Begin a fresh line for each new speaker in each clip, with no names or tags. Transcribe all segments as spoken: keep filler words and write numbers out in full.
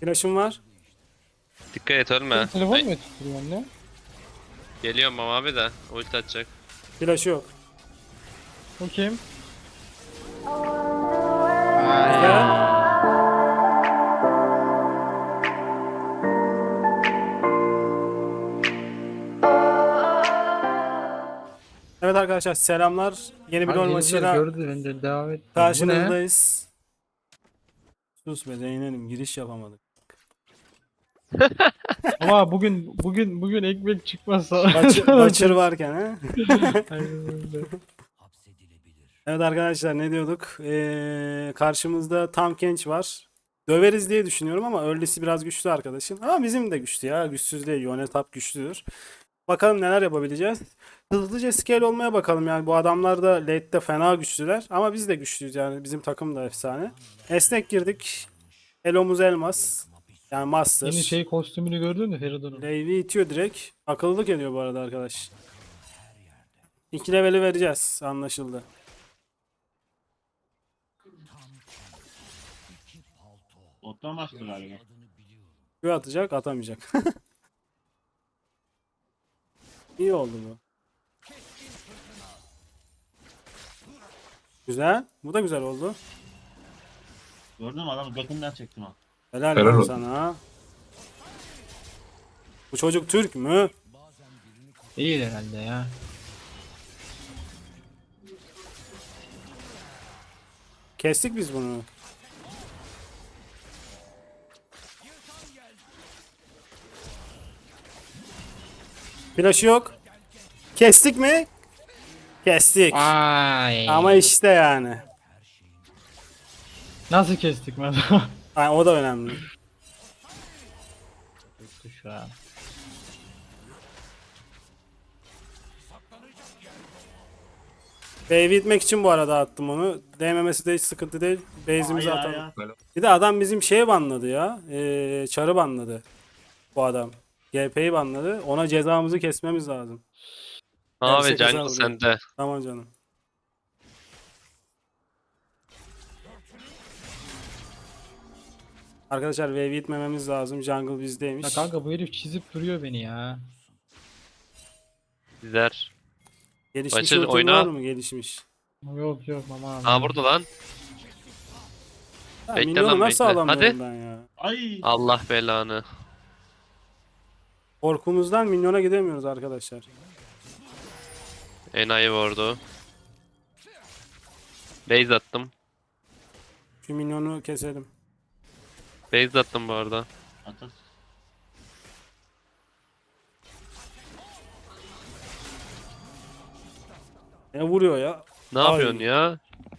Flash'ım var.
Dikkat et ölme.
Telefon
Ay,
mu tutuyorsun ne?
geliyorum ama abi de ulti atacak.
Flash'ı yok.
O kim?
Güzel. Evet arkadaşlar selamlar. Yeni bir
Abi
LoL
herifler
maçıyla
gördü bence devam et. Bu ne?
karşınızdayız. Sus be Zeynep'im giriş yapamadık.
Ama bugün bugün bugün ekmek çıkmazsa.
Baçır, Baçır varken ha.
Aynen öyle.
Evet arkadaşlar ne diyorduk? Ee, karşımızda Tahm Kench var. Döveriz diye düşünüyorum ama early'si biraz güçlü arkadaşın. Ama bizim de güçlü ya. Güçsüz değil. Yone top güçlüdür. Bakalım neler yapabileceğiz. Hızlıca scale olmaya bakalım yani. Bu adamlar da late'de fena güçlüler. Ama biz de güçlüyüz yani. Bizim takım da efsane. Esnek girdik. Elomuz elmas. Yani master.
Yeni şey kostümünü gördün mü Feridun'un?
Levi itiyor direkt. Akıllılık ediyor bu arada arkadaş. İki leveli vereceğiz. Anlaşıldı.
Bottan başladı galiba.
Q atacak, atamayacak. İyi oldu bu. Güzel. Bu da güzel oldu.
Gördün mü adamı götünden çektim ha.
Helal
Helal
lan
olsun.
sana. Bu çocuk Türk mü?
Değil herhalde ya.
Kestik biz bunu. Flaşı yok. Kestik mi? Kestik.
Ay.
Ama işte yani.
Nasıl kestik mesela?
Yani o da önemli.
Yoktu şu an.
Wave'i itmek için bu arada attım onu. Değmemesi de hiç sıkıntı değil. Base'imizi
Ay, ay,
atalım.
ay.
Bir de adam bizim şeye banladı ya. Ee, çarı banladı. Bu adam. G P'yi banladı. Ona cezamızı kesmemiz lazım.
Abi
Gerçek hasar
jungle
vuruyor.
sende.
Tamam canım. Arkadaşlar wave itmememiz lazım. Jungle
Ya
bizdeymiş.
kanka bu herif çizip duruyor beni ya.
Gider.
Gelişmiş
Başır,
ultin
oyna.
var mı? Gelişmiş.
Yok yok ama.
Aa burada lan.
Ya,
Bekle
minyonu
lan,
nasıl
bekle.
alamıyorum
Hadi.
ben ya?
Ay.
Allah belanı.
Korkumuzdan minyona gidemiyoruz arkadaşlar.
Enayi vurdu. Base attım.
Şu minyonu keselim.
Base attım bu arada.
Atas.
Ne vuruyor ya?
Ne
Ay.
yapıyorsun ya?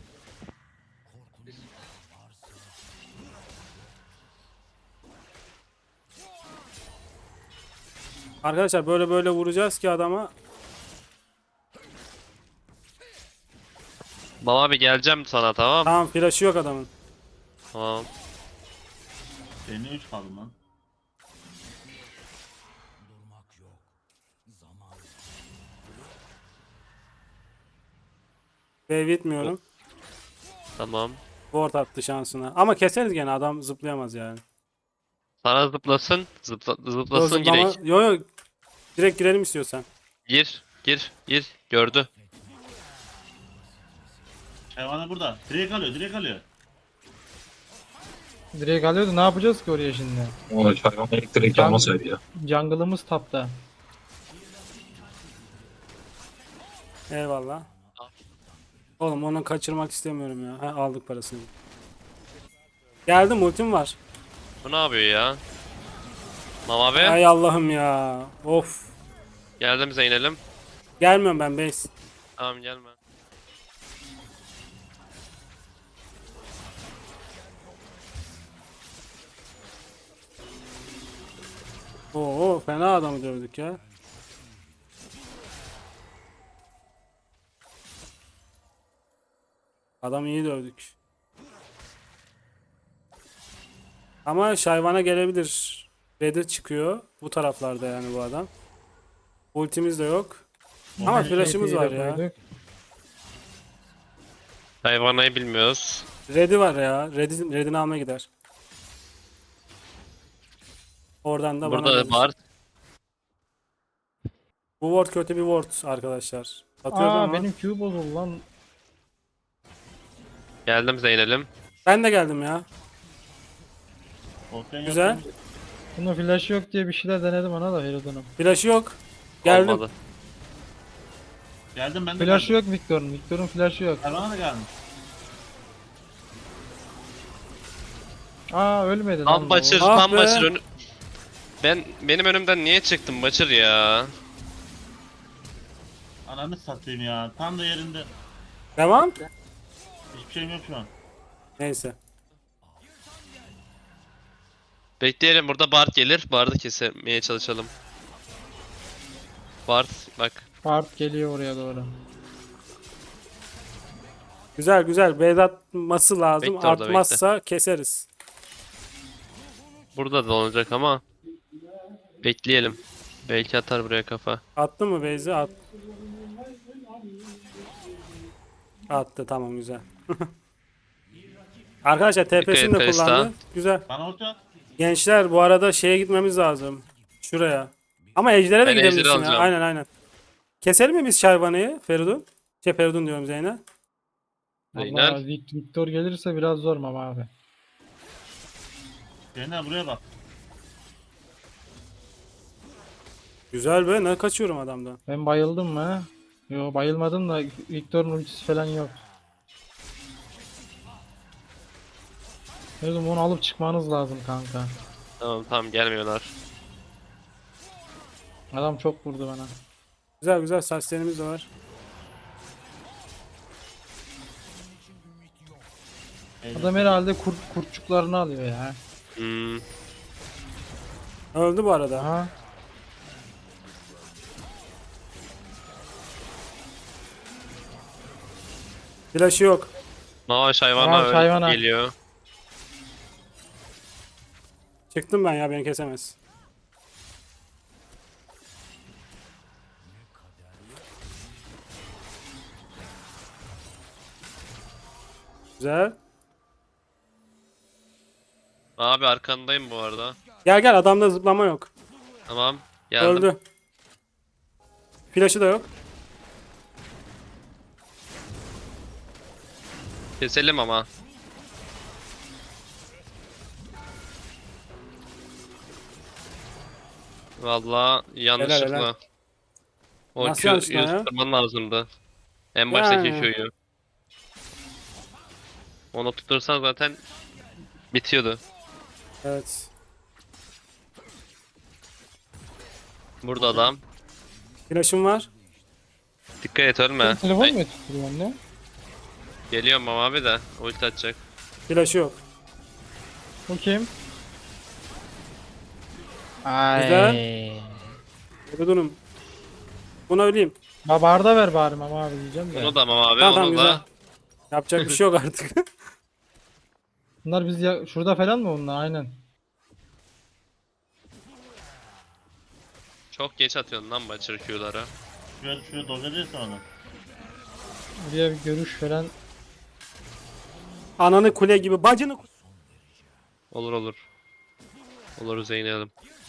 Arkadaşlar böyle böyle vuracağız ki adama.
Baba abi geleceğim sana, tamam.
Tamam flash'ı yok adamın.
Tamam.
Seninle üç kaldım lan.
Wave itmiyorum.
Tamam.
Ward attı şansına. Ama keseriz gene adam zıplayamaz yani.
Sana zıplasın. Zıpla,
Yo,
zıplasın
zıplama.
girek.
Yo yo. Direkt girelim istiyorsan.
Gir. Gir. Gir. Gördü.
Hayvanı burada. Direkt alıyor, direkt alıyor.
Direkt alıyordu ne yapacağız ki oraya şimdi?
O hayvan elektrik almasaydı ya.
Jungle'ımız tapta.
Eyvallah. Oğlum onu kaçırmak istemiyorum ya. Ha, aldık parasını. Geldim ultim var.
Bu ne yapıyor ya? Mama be.
Ay Allah'ım ya. Of.
Geldim Zeynel'im.
Gelmiyorum ben base.
Tamam gelme.
Oo fena adamı dövdük ya. Adam iyi dövdük. Ama Şayvan'a gelebilir. Red'e çıkıyor. Bu taraflarda yani bu adam. Ultimiz de yok. Ama flash'ımız var ya.
Koyduk.
Hayvanayı bilmiyoruz.
Red'i var ya. Red'i, Red'ini almaya gider. Oradan da bana
Burada
gelir.
Bart.
Bu ward kötü bir ward arkadaşlar. Atıyorum
Aa
ama.
benim Q bozuldu lan.
Geldim Zeynel'im.
Ben de geldim ya.
Volkan yok
Güzel.
mu?
Bunun flash yok diye bir şeyler denedim ona da Herodon'um.
Flash'ı yok. Geldim.
Olmadı.
Geldim ben de
Flash
geldim.
yok Victor'un. Victor'un flash'ı yok.
Erman'a da gelmiş.
Aa ölmedi lan.
Tam
bu.
Başır,
Ah
tam
be.
Başır önü... Ben, benim önümden niye çıktın Başır ya?
Ananı satayım ya. Tam da yerinde.
Devam.
Hiçbir şeyim yok şu an.
Neyse.
Bekleyelim, burada Bart gelir. Bart'ı kesmeye çalışalım. Bart bak.
Bart geliyor oraya doğru.
Güzel güzel. Beyz atması lazım.
Bekle orada,
Artmazsa keseriz.
Burada da olacak ama. Bekleyelim. Belki atar buraya kafa.
Attı mı Beyz'i? At. Attı, tamam, güzel. Arkadaşlar T P'sini de
Dikkat et,
kullandı.
Pesta.
Güzel.
Bana orta at.
Gençler bu arada şeye gitmemiz lazım. Şuraya. Ama Ejder'e de
Ben Ejder'i
gidebilirsin ya.
alacağım.
Aynen aynen. Keselim mi biz Şervan'ı Feridun? Şey Feridun diyorum Zeynep.
Zeynel.
Allah Vic- Victor gelirse biraz zor ama abi.
Zeynel buraya bak.
Güzel be, ne kaçıyorum adamdan.
Ben bayıldım mı? Yo bayılmadım da Victor'un ultisi falan yok. Dedim onu alıp çıkmanız lazım kanka.
Tamam tamam, gelmiyorlar.
Adam çok vurdu bana.
Güzel güzel, saçlarımız da var.
Adam herhalde kurt, kurtçuklarını alıyor ya.
Hmm.
Öldü bu arada.
Aha.
Flash'ı yok.
Mavaş hayvana
Mavaş
öyle
hayvana.
geliyor.
Çıktım ben ya, beni kesemez. Güzel.
Abi arkandayım bu arada.
Gel gel, adamda zıplama yok.
Tamam. Geldim.
Öldü. Flash'ı da yok.
Keselim ama. Valla yanlışlıkla.
helal.
O
Nasıl
Q
yanlışlıkla ya?
tutturman lazımdı. En baştaki
Yani.
Q'yu. Onu tutursan zaten bitiyordu.
Evet.
Burada adam.
Flash'ım var.
Dikkat et, ölme.
Sen telefon
Ay,
mu tutuyorsun ne?
geliyorum ama abi de ulti atacak.
Flash'ı yok.
Bu kim? Ay.
Güzel. Feridun'um. Buna öleyim.
Babarda ver bari ama abi diyeceğim de.
Onu da ama abi,
Tamam tamam,
onu
güzel.
da.
Yapacak bir şey yok artık.
Bunlar biz ya şurada falan mı bunlar aynen.
Çok geç atıyorsun lan Butcher Q'ları.
Şuraya, şuraya doldurursa onu.
Buraya bir görüş falan.
Ananı kule gibi, bacını ku-
Olur olur. Olur Zeynel'im.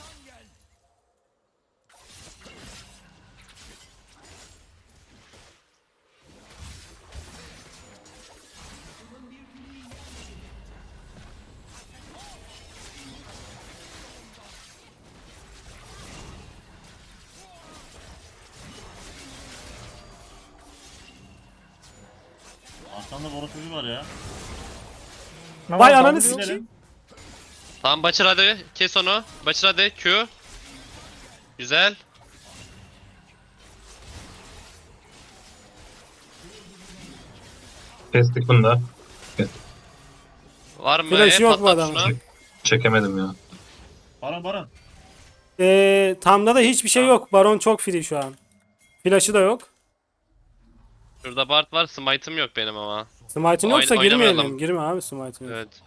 Arkamda boru çocuğu var ya.
Vay
Ama
ananı
ben-
sikeyim.
Gidelim.
Tamam Butcher hadi, kes onu. Butcher hadi, Q. Güzel.
Kestik bunu da.
Var mı?
Flash
E,
yok bu
patlat
adamın.
şunu.
Çekemedim ya.
Baran Baran.
Ee, Tam'da da hiçbir şey yok. Baron çok free şu an. Flash'ı da yok.
Şurada Bart var, smite'ım yok benim ama.
Smite'ın
Oyn-
yoksa girmeyelim.
oynamayalım.
Girme abi Smite'ın yok.
Evet.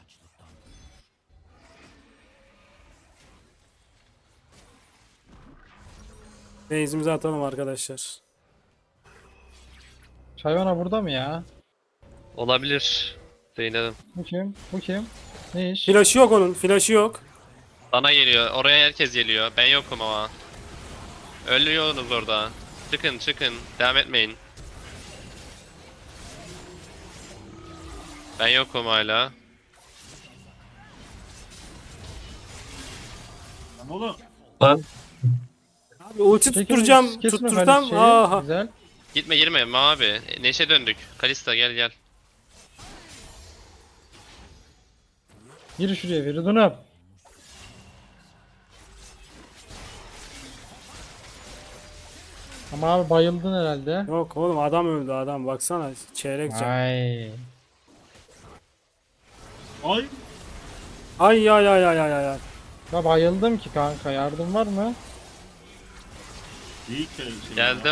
Base'imizi atalım arkadaşlar.
Çayvana burada mı ya?
Olabilir. Zeynel'im.
Bu kim? Bu kim? Ne iş?
Flash'ı yok onun. Flash'ı yok.
Sana geliyor. Oraya herkes geliyor. Ben yokum ama. Ölüyorsunuz orada. Çıkın çıkın. Devam etmeyin. Ben yokum hala.
Lan oğlum.
Lan
Abi ulti
Çekil,
tutturacağım.
kesme
Tuttursam.
Halis'i.
Aha.
Güzel.
Gitme girme abi. Neşe döndük. Kalista gel gel.
Gir şuraya Feridun'um. Ama abi bayıldın herhalde.
Yok oğlum adam öldü adam. Baksana çeyrek can.
Ay.
Ay.
Ay ay ay ay ay ay. ay.
Ben bayıldım ki kanka, yardım var mı?
İyi ki öyle şey.
Geldim.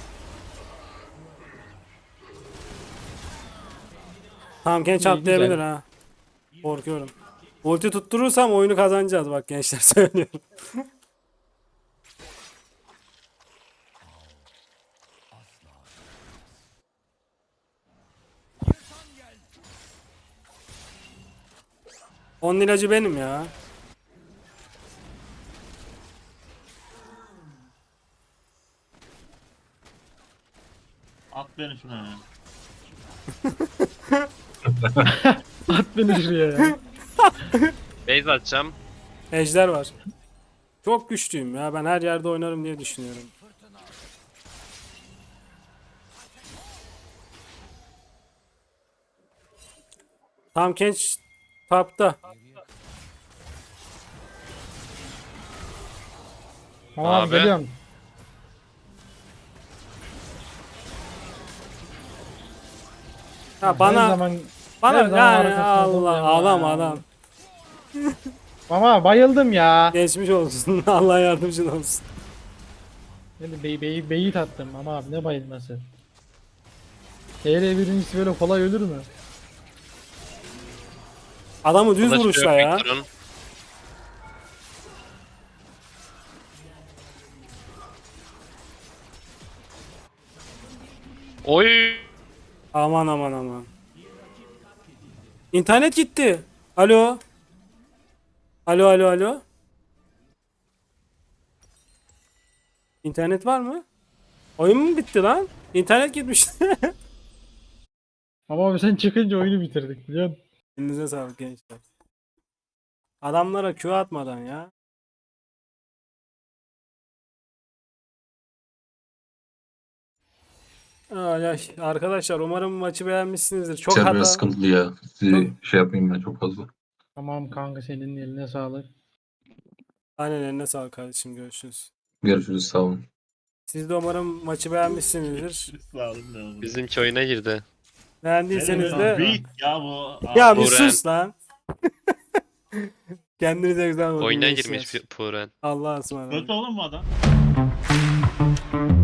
Tamam genç
İyi,
atlayabilir
güzel.
ha. Korkuyorum. Ulti tutturursam oyunu kazanacağız bak gençler söylüyorum. Onun ilacı benim ya.
At beni şuna ya.
At beni şuraya ya.
Base atacağım.
Ejder var. Çok güçlüyüm ya. Ben her yerde oynarım diye düşünüyorum. Tam genç tapta.
Tamam
Abi.
geliyorum.
Ha
Her
bana
zaman, her
bana
zaman
yani
arkasında
Allah
duracağım
adam
ya.
adam.
Ama bayıldım ya.
Geçmiş olsun. Allah yardımcın olsun.
Beni bey, bey, beyit attım ama abi ne bayılması. T R birincisi böyle kolay ölür mü?
Adamı düz
Flash
vuruşla
yok
ya.
Victor'un. Oy.
Aman aman aman. İnternet gitti. Alo. Alo alo alo. İnternet var mı? Oyun mu bitti lan? İnternet gitmişti.
Ama abi sen çıkınca oyunu bitirdik biliyor musun?
Elinize sağlık gençler. Adamlara Q atmadan ya. Ay, ay. Arkadaşlar umarım maçı beğenmişsinizdir. Çok
sen
hata.
biraz sıkıntılı ya. Sizi şey yapmayayım ben çok fazla.
Tamam kanka, senin eline sağlık.
Aynen eline sağlık kardeşim. Görüşürüz.
Görüşürüz, sağ olun.
Siz de umarım maçı beğenmişsinizdir.
Sağ olun ne olur.
Bizimki oyuna girdi.
Beğendiyseniz
Ne
de
Büyük ya bu.
ya bir
Buğra.
sus lan. Kendinize güzel bakın.
Oyuna
gençler.
girmiş bir Puren.
Allah'a ısmarladık.
Kötü oğlum bu adam.